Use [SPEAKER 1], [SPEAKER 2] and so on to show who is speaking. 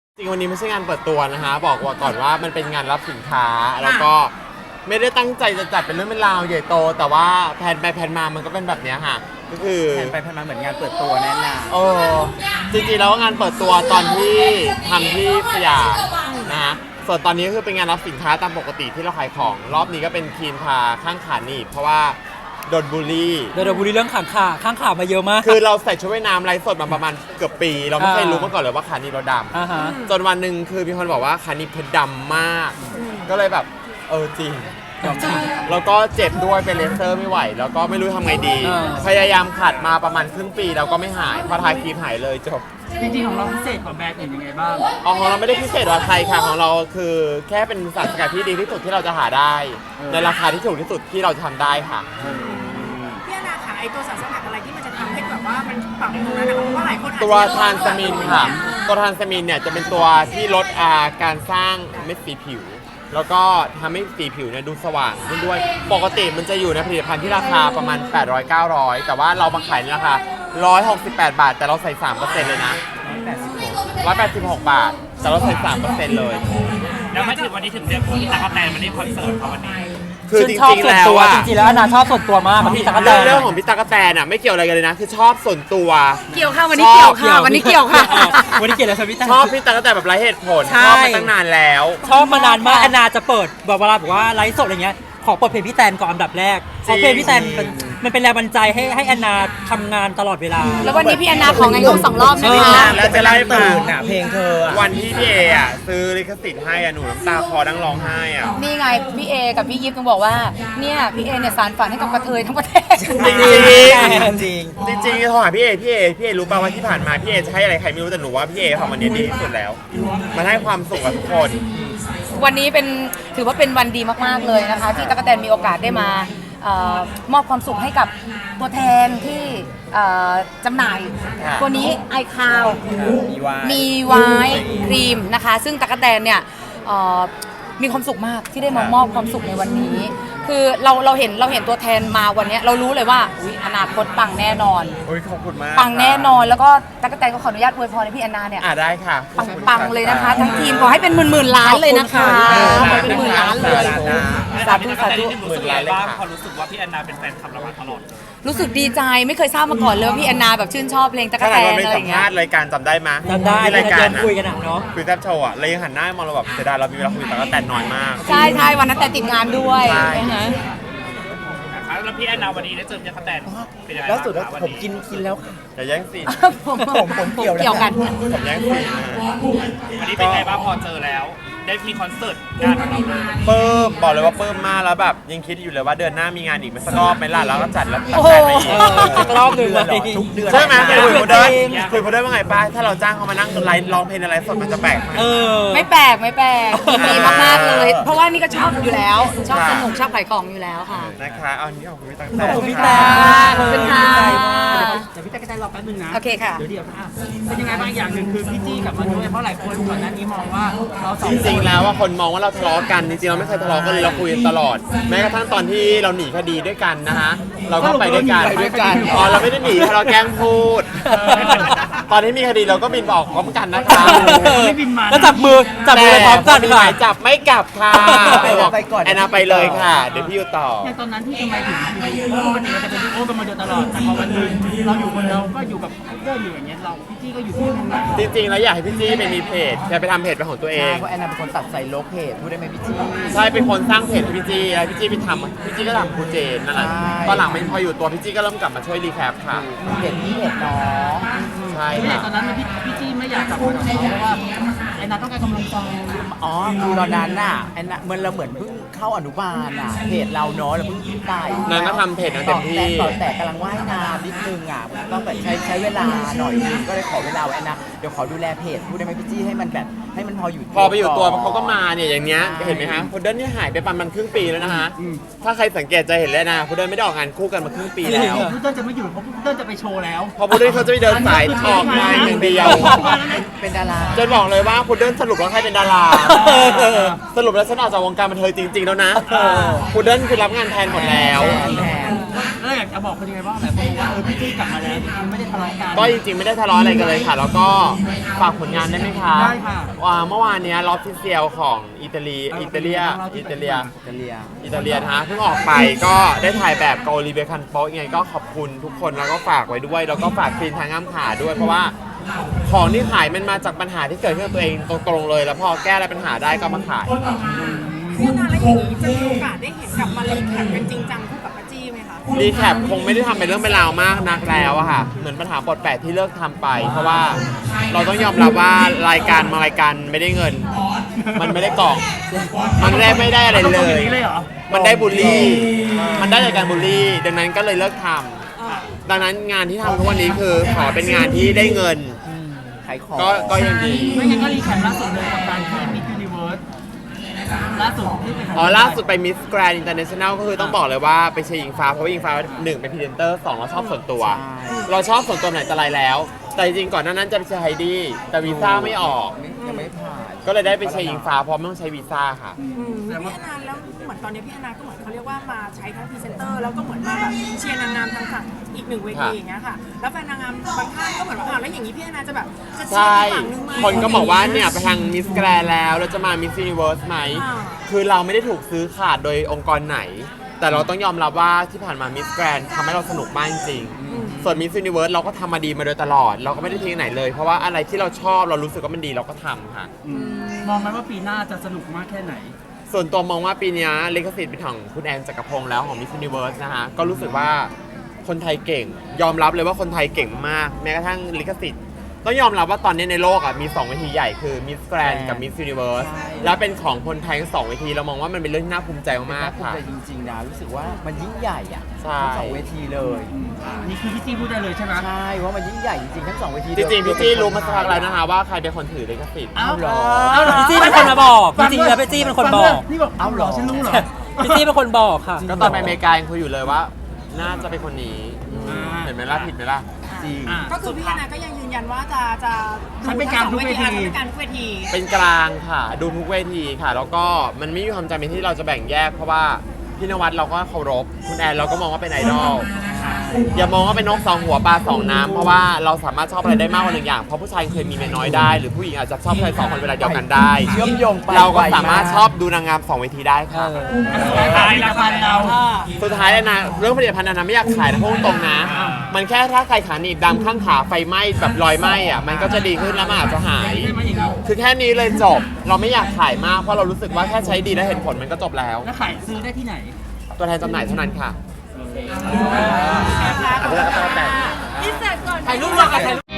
[SPEAKER 1] จริงวันนี้ไม่ใช่งานเปิดตัวนะคะบอกว่าก่อนว่ามันเป็นงานรับสินค้าแล้วก็ไม่ได้ตั้งใจจะจัดเป็นเรื่องเป็นราวใหญ่โตแต่ว่าแผนไปแผนมามันก็เป็นแบบนี้ค่ะก็คือ
[SPEAKER 2] แผนไปแผนมาเหมือนงานเปิดตัวแน่นอน
[SPEAKER 1] จริงๆแล้วงานเปิดตัวตอนที่ทำที่สยามนะฮะส่วนตอนนี้ก็คือเป็นงานรับสินค้าตามปกติที่เราขายของรอบนี้ก็เป็นคีนพาข้างขาหนีบเพราะว่าโดนบูลลี่
[SPEAKER 3] เรื่องข้างขามาเยอะมาก
[SPEAKER 1] คือเราใส่ชุดว่ายน้ำไลฟ์สดมาประมาณเกือบปี เราไม่เคยรู้มาก่อนเลยว่าขาหนีบเราดำจนวันหนึ่งคือมีคนบอกว่าขาหนีบเธอดำมาก ก็เลยแบบจริงแล้วก็เจ็บด้วยเป็นเลเซอร์ไม่ไหว แล้วก็ไม่รู้ทำไงดี พยายามขัดมาประมาณครึ่งปีแล้วก็ไม่หายพอทาครีมหายเลยจบ
[SPEAKER 4] จริงๆของเราพิเศษกว่าแบรนด์อื่นยังไงบ้าง
[SPEAKER 1] ของเราไม่ได้พิเศษกว่าใครค่ะของเราคือแค่เป็นสารสกัดที่ดีที่สุดที่เราจะหาได้ในราคาที่ถูกที่สุดที่เราจะทำได้ค่ะ
[SPEAKER 5] พี่อนาค่ะไอตัวสารสกัดอะไรที่มันจะทำให้แบบว่ามันปรับตรงนั้นนะคะเพราะว่าหลายคน
[SPEAKER 1] ตัวทรานสมินค่ะตัวทรานสมินเนี่ยจะเป็นตัวที่ลดการสร้างเม็ดสีผิวแล้วก็ทำให้สีผิวเนี่ยดูสว่างขึ้นด้วยปกติมันจะอยู่ในผลิตภัณฑ์ที่ราคาประมาณ800-900แต่ว่าเรามาขายในราคา168 บาทแต่เราใส่ 3% เลยนะ186 บาทแต่เราใส่ 3% เลย
[SPEAKER 4] แล้วมาถึงวันนี้ถึงเรียกพี่ตั๊กแตนมาเล่นคอนเสิร์ตเขาวันนี้
[SPEAKER 1] คือจริงๆแล้ว
[SPEAKER 3] จริงๆแล้วนาชอบส่วนตัวมากพี่ตั๊กแตน
[SPEAKER 1] เรื่องของพี่ตั๊กแตนอ่ะไม่เกี่ยวอะไรกันเลยนะคือชอบส่วนตัว
[SPEAKER 5] เกี่ยวค่ะวันนี้เกี่ยวค่ะวันนี้เกี่ยวค่ะ
[SPEAKER 3] วันนี้เกี่ยวแล้วพี่ตั๊ก
[SPEAKER 1] ชอบพี่ตั๊กแตนแบบไร้เหตุผลชอบมาตั้งนานแล้ว
[SPEAKER 3] ชอบมานานมากแอนนาจะเปิดแบบเวลาบอกว่าไลฟ์สดอะไรเงี้ยขอเปิดเพลงพี่แตนก่อนอันดับแรกเพราะเพลงพี่แตนมันเป็นแรงบันดาลใจให้แอนนาทำงานตลอดเวลา
[SPEAKER 5] แล้ววันนี้พี่แอนนาของไงของ2 รอบใช่ไหมคะ
[SPEAKER 1] แล้วจะไล่ตื่น
[SPEAKER 2] เพลงเธอ
[SPEAKER 1] วันที่พี่เอซื้อลิขสิทธิ์ให้หนูน้ำตาคอดังร้องไห้
[SPEAKER 5] นี่ไงพี่เอกับพี่ยิปต้องบอกว่าเนี่ยพี่เอเนี่ยสารฝันให้กับกระเทยทั้งประเทศ
[SPEAKER 1] จริงจริงโทรหาพี่เอรู้ป่าวว่าที่ผ่านมาพี่เอจะให้อะไรใครไม่รู้แต่หนูว่าพี่เอทำวันนี้ดีที่สุดแล้วมันให้ความสุขกับทุกคน
[SPEAKER 5] วันนี้ถือว่าเป็นวันดีมากๆเลยนะคะที่ตั๊กแตนมีโอกาสได้มามอบความสุขให้กับตัวแทนที่จำหน่ายตัวนี้ไอคาวมีไวน์ครีมนะคะซึ่งตั๊กแตนเนี่ยมีความสุขมากที่ได้มามอบความสุขในวันนี้คือเราเห็นตัวแทนมาวันนี้เรารู้เลยว่าอนาคตปังแน่นอน
[SPEAKER 1] ขอบคุณมาก
[SPEAKER 5] ปังแน่นอนแล้วก็ตั๊กแตนก็ขออนุญาตอวยพรให้พี่แอนนาเนี่ย
[SPEAKER 1] ได้ค่ะ
[SPEAKER 5] ปังเลยนะคะทั้งทีมขอให้เป็นหมื่นล้านเลยนะคะขอเป็นหมื่นล้านเลย
[SPEAKER 4] สาธุหมื่นล้านเลยค่ะพอรู้สึกว่าพี่แอนนาเป็นแฟนคลับเรามาตลอด
[SPEAKER 5] รู้สึกดีใจไม่เคยทราบมาก่อนเลยพี่แอนนาแบบชื่นชอบเพลงตั๊กแตนอะไรอย่างเงี้ย
[SPEAKER 1] รายการจำได้ไหม
[SPEAKER 3] จำได้
[SPEAKER 1] รายการ
[SPEAKER 3] คุยกันเนาะ
[SPEAKER 1] คุยแทบโชว์เลยยังหันหน้ามองเราแบบเสียดายเรามีเวลาคุยตั๊กแตนน้อยมาก
[SPEAKER 5] ใช่วันนั้นแต่ติดงานด้วยนะคะ
[SPEAKER 4] แล้วพี่แอนนาวันนี้ได้เจอพี่ตั๊กแตนเป็นยังไง
[SPEAKER 2] แล้วสุดแล้วผมกินแล้วค่ะ
[SPEAKER 1] อย่าแย่งสิ
[SPEAKER 2] ผมเกี่ยว
[SPEAKER 5] กัน
[SPEAKER 1] ผมแย่งสิ
[SPEAKER 4] วันนี้เป็นไงบ้างพอเจอแล้วได้มีคอนเสิร์ตงานของเราเลย
[SPEAKER 1] เพิ่มบอกเลยว่าเพิ่มมากแล้วแบบยังคิดอยู่เลยว่าเดือนหน้ามีงานอีกไหมสักรอบไหมล่ะแล้วก็จัดแล้วตัดแต่ไปอีก
[SPEAKER 3] รอบนึง
[SPEAKER 2] ทุกเดือน
[SPEAKER 1] ใช่ไหมคุยโมเดิร์นว่าไงป้าถ้าเราจ้างเขามานั่งไลฟ์ร้องเพลงอะไรสดมันจะแปลกไหม
[SPEAKER 5] ไม่แปลกดีมากๆเลยเพราะว่านี่ก็ชอบอยู่แล้วชอบสนุกชอบขายของอยู่แล้วค่ะ
[SPEAKER 1] นะคะเอานี้ขอบคุณพี่ตั๊กแตน
[SPEAKER 3] ขอบคุณพี่แตน
[SPEAKER 5] ขอบคุณค่ะ
[SPEAKER 4] เดี๋ยวพี่ตั๊กแตนรอแป๊บนึงนะ
[SPEAKER 5] โอเคค่ะ
[SPEAKER 4] เดี๋ยวเป็นยังไงบ้างอย่างหนึ่งคือพี่จี้กลับมาด้วยเพราะหลายคนก่อนหน้านี้มองว่าเราสอง
[SPEAKER 1] จริงๆแล้วว่าคนมองว่าเราทะเลาะกันจริงๆเราไม่เคยทะเลาะกันเลยเราคุยตลอดแม้กระทั่งตอนที่เราหนีคดีด้วยกันนะฮะเราก็ไปด้วยกันเราไม่ได้หนีเราแกล้งพูดตอนที่มีคดีเราก็บินบอกพร้อมกันนะคะ
[SPEAKER 4] ไม่บินมา
[SPEAKER 3] แล้วจับมือไปพร้อมกัน
[SPEAKER 1] ค่ะจับไม่กลับค่ะแอนนาไปเลยค่ะเดี๋ยวพี่อยู่ต่อ
[SPEAKER 4] ในตอนนั้นที่ทำไมถึงปกติเราจะเป็นโอ้กันมาโดยตลอดแต่พอวันนึงเราอยู่คนเดียวก็อยู่กับเพื่อนอยู่อย่างเงี้ยเราพี่จี้ก็อยู่ที่นึง
[SPEAKER 1] จริงๆแล้วอยากให้พี่จี้ไปมีเพจไปทำเพจเป็นของตัวเอง
[SPEAKER 2] เพราะแอนนาเป็นคนตัดใส่ลบเพจพูดได้ไหมพี่จี้
[SPEAKER 1] ใช่เป็นคนสร้างเพจพี่จี้แล้วพี่จี้ไปทำพี่จี้ก็ทำครูเจนนั่นแหละตอนหลังมันพออยู่ตัวพี่จี้ก็เริ่มกลับมาช่วยรีแคปค่ะ
[SPEAKER 2] เพจนี้เพจน้อง
[SPEAKER 1] ใช่
[SPEAKER 4] ค่ะตอนนั้นพี่จี้ไม่อยากจับมือกับเขาเพราะว่าแอนนาต้องการกำลังใจ
[SPEAKER 2] คือตอนนั้นน่ะแอนนาเหมือนเราเหมือนเพิ่งเข้าอนุบาลเพจเราเนาะเราเพิ่งไป
[SPEAKER 1] นางก็ทำเพจนั้นเต็มที่
[SPEAKER 2] แต่กำลังว่ายน้ำนิดนึงต้องแบบใช้เวลาหน่อยนึงก็เลยขอเวลาแอนนาเดี๋ยวขอดูแลเพจพูดได้ไหมพี่จี้ให้มันแบบให้มันพออยู่
[SPEAKER 1] พอไปอยู่ตัวเขาก็มาเนี่ยอย่างเนี้ยเห็นไหมฮะพุดเดิ้ลนี่หายไปประมาณครึ่งปีแล้วนะฮะถ้าใครสังเกตจะเห็นเลยนะพุดเดิ้ลไม่ได้ออกงานคู่กันมาครึ่งปีแล้ว
[SPEAKER 4] พุดเดิ้ลจะไม่อยู่เพราะพุดเดิ้ลจะไปโชว์แล้ว
[SPEAKER 1] พอพุดเดิ้ลเขาจะไปเดินสายออกงานอย่างเดียว
[SPEAKER 2] เป็นดารา
[SPEAKER 1] จนบอกเลยว่าพุดเดิ้ลสรุปแล้วใครเป็นดาราสรุปแล้วฉันออกจากวงการบันเทิงจริงๆแล้วนะพุดเดิ้ลคือรับงานแทนหมดแล้ว
[SPEAKER 4] แล้วเราอยากจะบอกคนยังไงบ้างแบบว่าพี่จี้กลับมาแล้วจริงๆไม่ได้ทะเลาะกัน
[SPEAKER 1] ก็จริงๆไม่ได้ทะเลาะอะไรกันเลยค่ะ แล้วก็ฝากผลงานได้ไหมคะ
[SPEAKER 4] ได้ค่ะ
[SPEAKER 1] เมื่อวานเนี้ยล็อบฟิเซียลของอิตาลีนะฮะเพิ่งออกไปก็ได้ถ่ายแบบกับโอลิเวียคันโปะยังไงก็ขอบคุณทุกคนแล้วก็ฝากไว้ด้วย แล้วก็ฝากคลีนทางง่ามขาด้วยเพราะว่าของที่ขายมันมาจากปัญหาที่เกิดขึ้นกับตัวเองตรงๆเลย แล้วพอแก้อะไรปัญหาได้ก็มาขาย
[SPEAKER 6] พี่อนาแล้วอย่างนี้จะมีโอกาสได้เห็นกลับมารีแคปกันจริงจังคู่กับป้าจี้ไหมคะ
[SPEAKER 1] รีแคปคงไม่ได้ทำเป็นเรื่องเป็นราวมากนักแล้วอะค่ะเหมือนปัญหาปลดแปดที่เลิกทำไป เพราะว่าเราต้องยอมรับว่ารายการไม่ได้เงิน มันไม่ได้กล่อง มันไม่ได้อะไร
[SPEAKER 4] ต้อง
[SPEAKER 1] เล
[SPEAKER 4] อย่าง
[SPEAKER 1] ย
[SPEAKER 4] นี้เลยเหรอ
[SPEAKER 1] มันได้บูลลี่ มันได้จากการบูลลี่ ดังนั้นก็เลยเลิกทำดังนั้นงานที่ทำทุกวันนี้คือขอเป็นงานที่ได้เงิน
[SPEAKER 2] ขายของ
[SPEAKER 1] ก็ยังดี
[SPEAKER 4] ไม่งั้นก็รีแคปล่าสุดเลยกับการที่มิสยูนิเวิร์สล่าสุดที่ไปถ่าย
[SPEAKER 1] ล่าสุดไปมิสแกรนด์อินเตอร์เนชั่นแนลก็คือต้องบอกเลยว่าไปเชียร์อิงฟ้าเพราะว่าอิงฟ้าหนึ่งเป็นพรีเซนเตอร์สองเราชอบส่วนตัว เราชอบส่วนตัวไหนแต่ไรแล้ว แต่จริงๆก่อนหน้านั้นจะไปเชียร์ไฮดี้แต่วีซ่าไม่ออก
[SPEAKER 2] ยังไม่ผ่าน
[SPEAKER 1] ก็เลยได้ไปเชียร์อิงฟ้าเพราะไม่ต้องใช้วีซ่าค่ะ
[SPEAKER 6] พี่อนาแล้วเหมือนตอนนี้พี่อนาก็เหมือนเขาเรียกว่ามาใช้ทั้งพรีเซนเตอร์แล้วก็เหมือนมาแบบเชียร์นางงามทางฝั่งอีกหนึ่งเวทีอย่างเงี้ยค่ะ แล้วแฟนนางงามบางท่านก็เหมือนว่าอ้าวแล้วอย่างนี้พี่อนาจะแบบจะเชีย
[SPEAKER 1] ใช่
[SPEAKER 6] ร์อีกฝั่งนึงไหม
[SPEAKER 1] คนก็บอกว่าเนี่ยไปทางมิสแกรนด์แล้วเราจะมามิส s ูนิเวิร์สไหม
[SPEAKER 6] อ่า
[SPEAKER 1] คือเราไม่ได้ถูกซื้อขาดโดยองค์กรไหน แต่เราต้องยอมรับว่าที่ผ่านมามิสแกรนด์ทำให้เราสนุกมากจริงๆส่วนมิส s ูนิเวิร์สเราก็ทำมาดีมาโดยตลอด เราก็ไม่ได้ทิ้งไหนเลย เพราะว่าอะไรที่เราชอบเรารู้สึกว่ามันดีเราก็ทำค่ะ
[SPEAKER 4] มองไหมว่าปีหน้าจะสนุกมากแค่ไหน
[SPEAKER 1] ส่วนตัวมองว่าปีนี้ลิขสิทธิ์เป็นของคุณแอนจักรพงษ์แล้วของ Miss Universe นะฮะ ก็รู้สึกว่าคนไทยเก่ง ยอมรับเลยว่าคนไทยเก่งมาก แม้กระทั่งลิขสิทธิ์ต้องยอมรับว่าตอนนี้ในโลกอ่ะมี2เวทีใหญ่คือ Miss Grand กับ Miss Universe แล้วเป็นของคนไทยทั้ง2เวทีเรามองว่ามันเป็นเรื่องที่น่าภูมิใจมาก
[SPEAKER 2] น่า
[SPEAKER 1] ๆ
[SPEAKER 2] ภูมิ
[SPEAKER 1] ค่ะ
[SPEAKER 2] ใจจริงๆนะรู้สึกว่ามันยิ่งใหญ่อ่ะ
[SPEAKER 1] ใช่
[SPEAKER 2] ทั้งสองเวทีเลย
[SPEAKER 4] นี่คือพี่จี้พูดได้เลยใช่ไหม
[SPEAKER 2] ใช่ว่ามันยิ่งใหญ่จริงๆทั้งสองเวที
[SPEAKER 1] จริงๆพี่จี้รู้มาสักพักแล้วนะคะว่าใครเป็นคนถือลิขสิทธิ์
[SPEAKER 4] อ้าว
[SPEAKER 2] เหรอ
[SPEAKER 3] พี่จี้เป็นคนมาบอกจริงๆแล้วพี่จี้เป็นคนบอก
[SPEAKER 4] นี่บอก
[SPEAKER 2] เอาเหรอ
[SPEAKER 4] ฉันรู้เหรอ
[SPEAKER 3] พี่จี้เป็นคนบอกค่ะ
[SPEAKER 1] ก็ตอนไปอเมริกายังคุยอยู่เลยว่า น่าจะเป็นคนนี้ เห็นไหมล่ะผิดไหมล่ะ
[SPEAKER 2] จริง
[SPEAKER 4] อ่ะ
[SPEAKER 6] ก็คือพี่อนาก็ยังยืนยันว่าจะ
[SPEAKER 4] ฉันเป็นกลางทุกเวที
[SPEAKER 6] ฉันเป็นกลางทุกเวที
[SPEAKER 1] เป็นกลางค่ะ ดูทุกเวทีค่ะ แล้วก็มันไม่มีความจำเป็นที่เราจะแบ่งแยก เพราะว่าพี่นวัดเราก็เคารพคุณแอนเราก็มองว่าเป็นไอดอลอย่ามองว่าเป็นนกสองหัวปลาสองน้ำเพราะว่าเราสามารถชอบอะไรได้มากกว่าหนึ่งอย่างเพราะผู้ชายเคยมีเมียน้อยได้ หรือผู้หญิงอาจจะชอบใครสองคนเวลาเดียวกันได้
[SPEAKER 2] เชื่อมโยงไป
[SPEAKER 1] เราก็สามารถชอบดูนางงามสองเวทีได้ค่ะ
[SPEAKER 4] ขายราคาเรา
[SPEAKER 1] สุดท้ายแล้วนะเรื่องผลิตภัณฑ์นะไม่อยากขายนะพูดตรงๆนะ มันแค่ถ้าใครขาหนีบดำข้างขาไฟไหม้แบบรอยไหม้อ่ะมันก็จะดีขึ้นแล้วมันอาจจะหาย
[SPEAKER 4] ใช่ไหมอย่างนี้
[SPEAKER 1] คือแค่นี้เลยจบ เราไม่อยากขายมากเพราะเรารู้สึกว่าแค่ใช้ดีและเห็นผลมันก็จบแล้ว
[SPEAKER 4] แล้วขายซื้อได้ที่ไหน
[SPEAKER 1] ตัวแทนจำหน่ายเท่านั้นค่ะ
[SPEAKER 6] นะคะ
[SPEAKER 1] อันนี้ก็ต้องแต่
[SPEAKER 6] อินเสิร์ตก่อน
[SPEAKER 3] ถ่ายรูปรวมกันถ่ายรูป